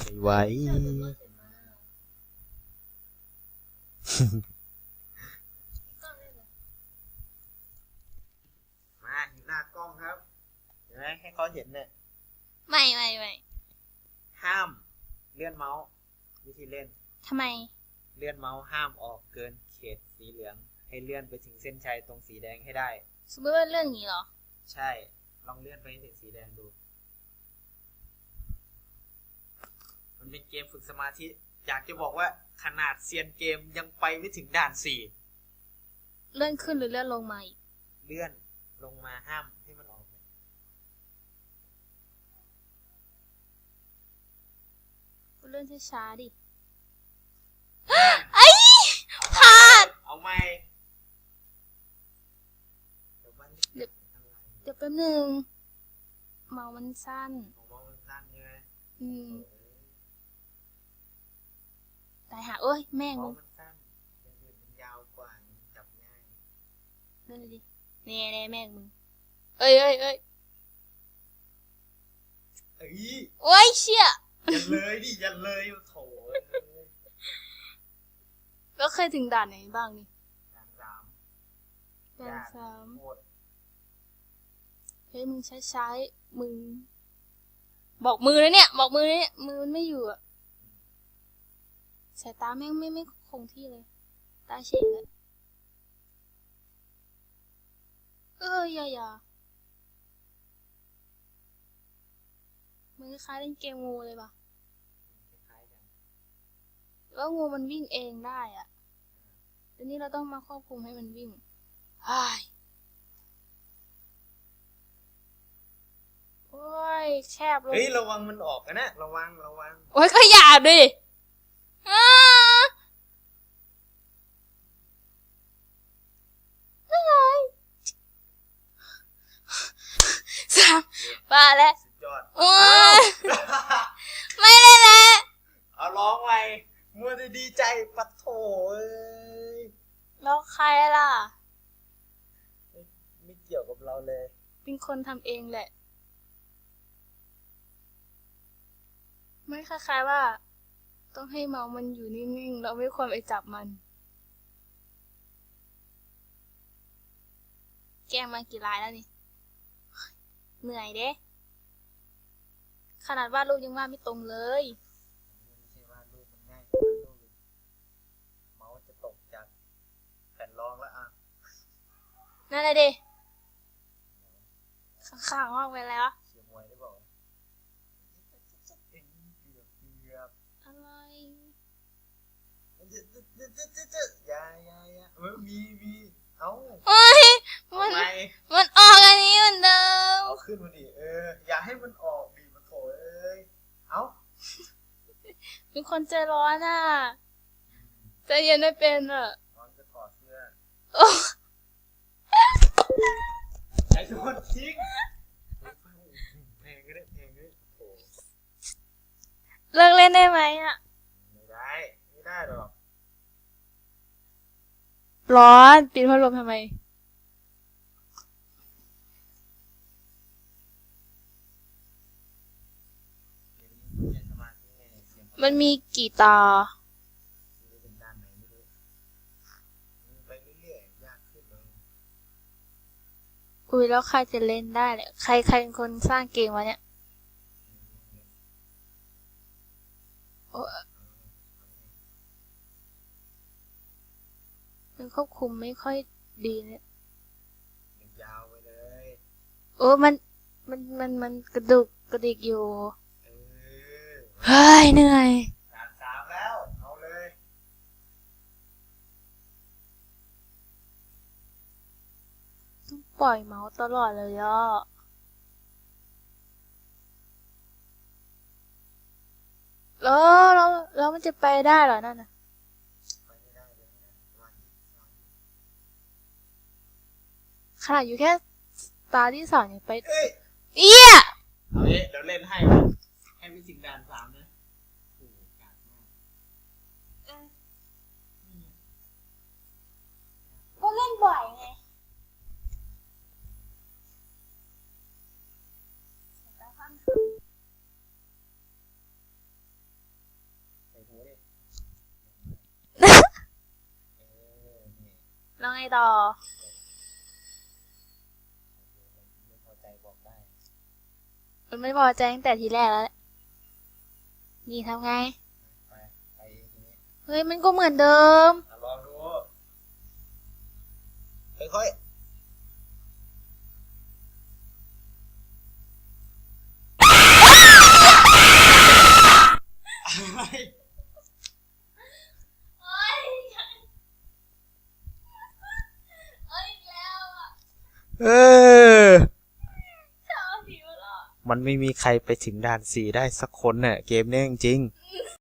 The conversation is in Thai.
ไหวมาอยู่หน้ากล้องครับเห็นไหมให้เขาเห็นเนี่ยไม่ห้ามเลื่อนเมาส์วิธีเล่นทำไมเลื่อนเมาส์ห้ามออกเกินเขตสีเหลืองให้เลื่อนไปถึงเส้นชัยตรงสีแดงให้ได้สมมติว่าเรื่องนี้เหรอใช่ลองเลื่อนไปถึงสีแดงดูมันเป็นเกมฝึกสมาธิอยากจะบอกว่าขนาดเซียนเกมยังไปไม่ถึงด่าน4 เลื่อนขึ้นหรือเลื่อนลงมาอีกเลื่อนลงมาห้ามให้มันออกเลื่อนช้าๆดิไอ้พลาดเอาไหมเดี๋ยวแป๊บนึงเมามันสั้นเมามันสั้นใช่ไหมตายหาเอ้ยแม่งมึงมันสั้นมันยาวกว่าจับง่ายเลื่อนเลยดิแน่แม่งมึงเอ้ยโอ้ยเชี่ยอย่าเลยดิอย่าเลยโถแล้วเคยถึงด่านไหนบ้างนี่ด่าน3 เฮ้ยมึงใช้มึงบอกมือเลยเนี่ยมือมันไม่อยู่อะสายตาแม่งไม่คงที่เลยตาเฉยเลยอย่ามันคล้ายเล่นเกมงูเลยป่ะแล้วงูมันวิ่งเองได้อะแต่นี่เราต้องมาควบคุมให้มันวิ่งโอ้ยแคบเลยเฮ้ยระวังมันออกนะระวังโอ้ยก็อย่าดิบ้าแล้วโอ้ยไม่ได้แล้วเอาร้องไว้มัวแต่ดีใจปัดโถแล้วใครล่ะไม่เกี่ยวกับเราเลยเป็นคนทำเองแหละไม่คล้ายๆว่าต้องให้เมาส์มันอยู่นิ่งๆเราไม่ควรไปจับมันแกมากี่รายแล้วนี่เหนื่อยเด้ขนาดวาดรูปยังวาดไม่ตรงเลยไม่ใช่วาดรูปมันง่ายเมาส์จะตกจากแผ่นรองแล้วอ่ะนั่นเลยดิข้างๆออกไปแล้วเชียร์มวยได้บอกอะไรอย่ามีเอ้าเฮ้ยมันออกอันนี้เหมือนเดิมเอาขึ้นมาดิอย่าให้มันออกดิมันโถเอ้าเป็นคนใจร้อนอ่ะใจเย็นไม่เป็นอ่ะร้อนจะถอดเสื้อไอ้ทุกคนทิ้งเพลงก็ได้เลิกเล่นได้ไหมอ่ะไม่ได้หรอกร้อนปิดพัดลมทำไมมันมีกี่ตาอุ้ยแล้วใครจะเล่นได้เนี่ยใครเป็นคนสร้างเกมวะเนี่ยมันควบคุมไม่ค่อยดีเนี่ยยาวไปเลยมันกระดิกอยู่เฮ้ยเหนื่อยด่าน3แล้วเอาเลยต้องปล่อยเมาส์ตลอดเลยอ่ะแล้วมันจะไปได้เหรอนั่นน่ะขนาดอยู่แค่ตาที่2ยังไปเอี้ยเอาเดี๋ยวเล่นให้ไปถึงด่าน3นะโอ้โหกากมากก็เล่นบ่อยไงไงต่อไม่พอใจบอกได้มันไม่พอใจตั้งแต่ทีแรกแล้วแหละนี่ทำไงไปอย่างนี้เฮ้ยมันก็เหมือนเดิมลองดูค่อยๆ เออ มันไม่มีใครไปถึงด่าน4ได้สักคนเนี่ยเกมเนี้ยจริงๆ